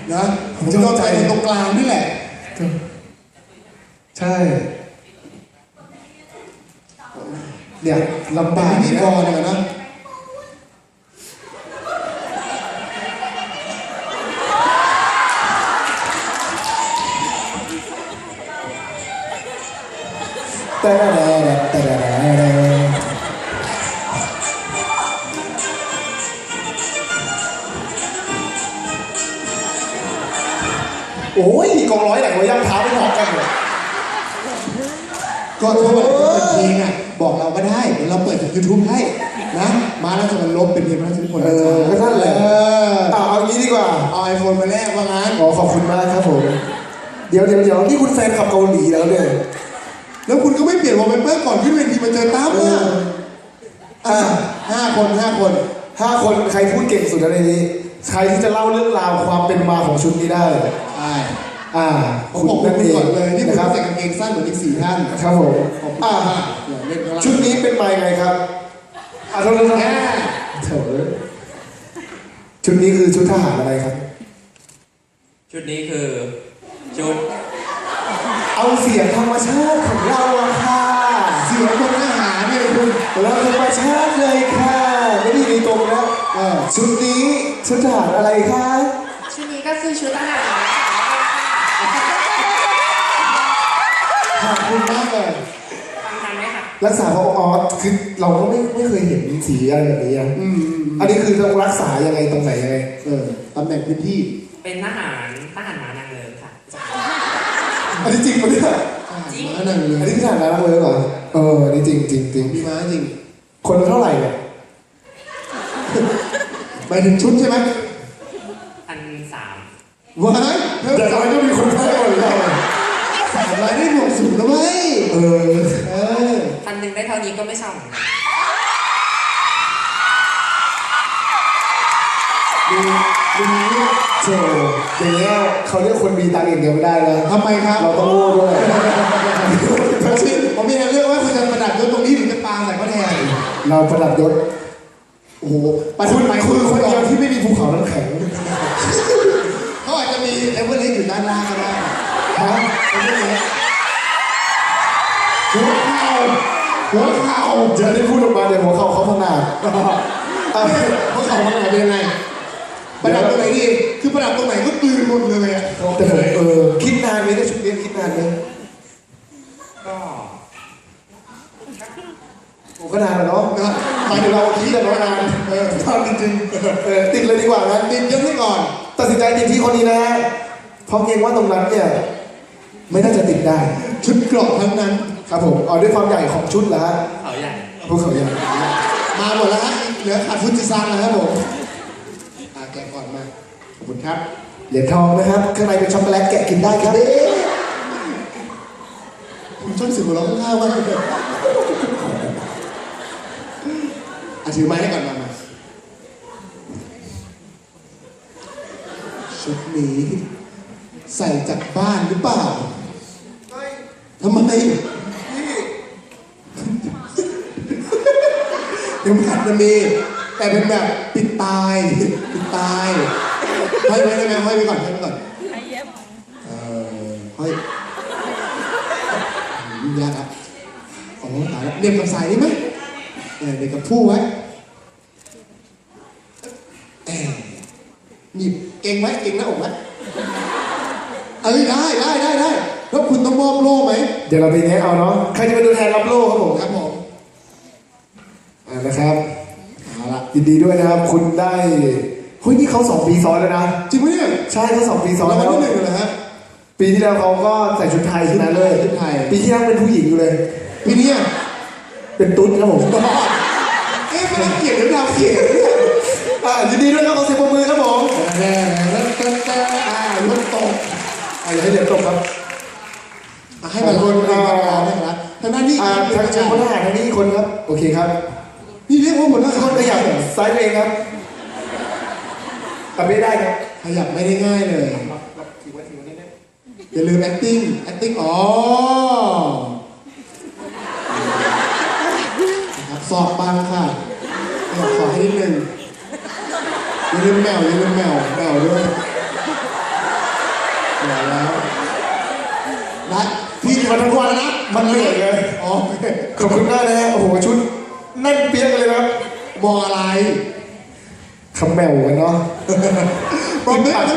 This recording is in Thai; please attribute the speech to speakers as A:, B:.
A: นะผมจะเข้าใจตรงกลางนี่แหละ
B: ใช่เนี่ยลำบาก
A: พิธีกรเนี่ยนะ
B: โอ้ยกองร้อยไหนวะย่ำเท้าไม่พอกันเลย
A: ก็ถ้ามันเป็นเพลงอ่ะบอกเราก็ได้เดี๋ยวเราเปิดจาก YouTube ให้นะมาแล้วจะมันลบเป็นเพลงพระราชนิพนธ์
B: ก็นั่นแหละเอางี้ดีกว่า
A: เอาไอโฟนมาแลกว่างั้น
B: ขอบคุณมากครับผมเดี๋ยวนี่คุณแฟนขับเกาหลีแล้วเนี่ย
A: แล้วคุณก็ไม่เปลี่ยนวอลเปเปอร์ก่อนขึ้นเวทีมาเจอตั้มอ่ะ5 คน
B: ใครพูดเก่งสุดในนี้ใครที่จะเล่าเรื่องราวความเป็นมาของชุดนี้ได้
A: ใช่
B: ผมบอก
A: คุณก่อนเลยนี่ผมใส่กางเกงสั้นเหมือนอีก4 ท่าน
B: ครับผมชุดนี้เป็นมาไงครับโทษชุดนี้คือชุดทหารอะไรครับ
C: ชุดนี้คือชุด
B: เอาเสียงธรรมชาติของเราอะค่ะ
A: เสียงคนทหารเนี่ยคุณ
B: เราธรรมชาติเลยค่ะไม่ได้มีตรงแล้วชุดนี้ชุดทหารอะไรคะ
D: ชุดนี้ก็คือชุดทหาร
A: ขอบคุณมากเลย
D: ฟังทันไหมคะ
B: รักษาพอคือเราก็ไม่เคยเห็นสีอะไรแบบนี้อันนี้คือต้องรักษายังไงตรงไหนยังไง
A: ตำแหน่งพื้นที่
D: เป็นทหารม้านางเลิงค่ะ
B: อันนี้จริงปะเนี่ย
D: จริง
A: ม้านางเลิง
B: อันนี้ทหารม้านางเลิงเหรออันนี้จริง
A: มีม้าจริง
B: คนละเท่าไหร่เนี่ย
A: ไปถึงชุดใช่ไหม
D: 1,300
A: ว้าย
B: แต่ทำไมต้องมีคนแพ้หมดเลย
A: 300ได้บวกสูงแล้วไหม
D: 1,000ได้เท่านี้ก็ไม่เศร้าเหมือนกัน
B: ดูโจอย่างเงี้ยเขาเรียกคนมีตังค์อย่างเดียวไม่ได้เลย
A: ทำไมครับ
B: เราต้องโง่ด้วย
A: ผมมีเรื่องว่าคุณจะประดับยศตรงนี้หรือจะปาใส่เขาแทน
B: เราประดับยศ
A: โอ้โห
B: คุณคนเดียวที่ไม่มีภูเขาน้ำแข็ง
A: เขาอาจจะมีเอเวอเรสต์อยู่ด้านล่างก็ได้
B: ฮะ
A: หัวเข่า
B: จะได้พูดออกมาเดี๋ยวหัวเข่าเขาพังงา
A: หัวเข่าพังงาเป็นยังไงประดับตรงไหนดีคือประดับตรงไหนก็กลืนหมดเลยอ่ะ
B: แต่ผมคิดนานไหมในชุดนี้คิดนานไหมก็นานแล้วเนาะหมายถึงเราคิดแต่นานทำจริงๆติดเลยดีกว่านะ
A: ติดยกให้ก่อน
B: ตัดสินใจติดที่คนนี้นะเพราะเกรงว่าตรงนั้นเนี่ยไม่น่าจะติดได้
A: ชุดเกราะทั้งนั้น
B: ครับผมด้วยความใหญ่ของชุดแล้ว
D: เขาใหญ่
B: พวกเขาใหญ่
A: มาหมดแล้วฮะเหลือขาดฟุจิซังนะครับผมแกะก่อนมาขอบคุณครับ
B: เหรียญทองนะครับข้างในเป็นช็อกโกแลตแกะกินได้ครับ
A: ผมชอบสิ่งหัวเราะข้าวมากเลยถือไม้ให้ก่อนมาชุดนี้ใส่จากบ้านหรือเปล่าทำไมยังขัดจะมีแต่เป็นแบบปิดตายห้อยไว้ได้ไหมห้อยไว้ก่อนห้อยยุ่งยากครับตายแล้วเรียบกับสายนี่ไหมเด็กกับผู้ไว้หยิบเก่งไหมเก่งหน้าอกไหมได้แล้วคุณต้องมอบโล่ไหม
B: เดี๋ยวเราไปแนะเอาเนาะใครจะเป็นตัวแทนรับโล่ครับผมนะครับยินดีด้วยนะครับคุณได้เฮ้ยนี่เขา2 ปีซ้อนแล้วนะ
A: จริงไหมเนี่ย
B: ใช่เขา2 ปีซ้อน
A: แล้ววันที่1เลยฮะ
B: ปีที่แล้วเขาก็ใส่ชุดไทยชนะเลยปีที่แล้วเป็นผู้หญิงอยู่เลย
A: ปีนี้
B: เป็นตุ๊ดครับผม
A: มันรับเกียรติหรือดาวเกียรติ
B: ยินดีด้วยครับขอเสียงปรบมือครับผม
A: รถตก
B: อย่าให้เดี๋ยวตกครับ
A: ให้มาคนนะครับทางด้านนี้
B: ทางคนทหารทางนี้คนครับโอเคครับ
A: นี่เรียกว่าหมดแล้ว
B: คนขยับซ้ายเองครับทำไม่ได้ครับ
A: ขยับไม่ได้ง่ายเลยอย่าลืม acting สอบบางค่ะขอให้นิดนึงอย่าลืมแมวด้วยนะพี่มาทั้งวันนะ
B: มันเหนื่อยไง
A: อ๋อ
B: ขอบคุณมากนะฮะโอ้โหชุดแน่นเปี้ยกเลยครับ
A: มองอะไร
B: คำแมวกันเนาะ
A: มองไม่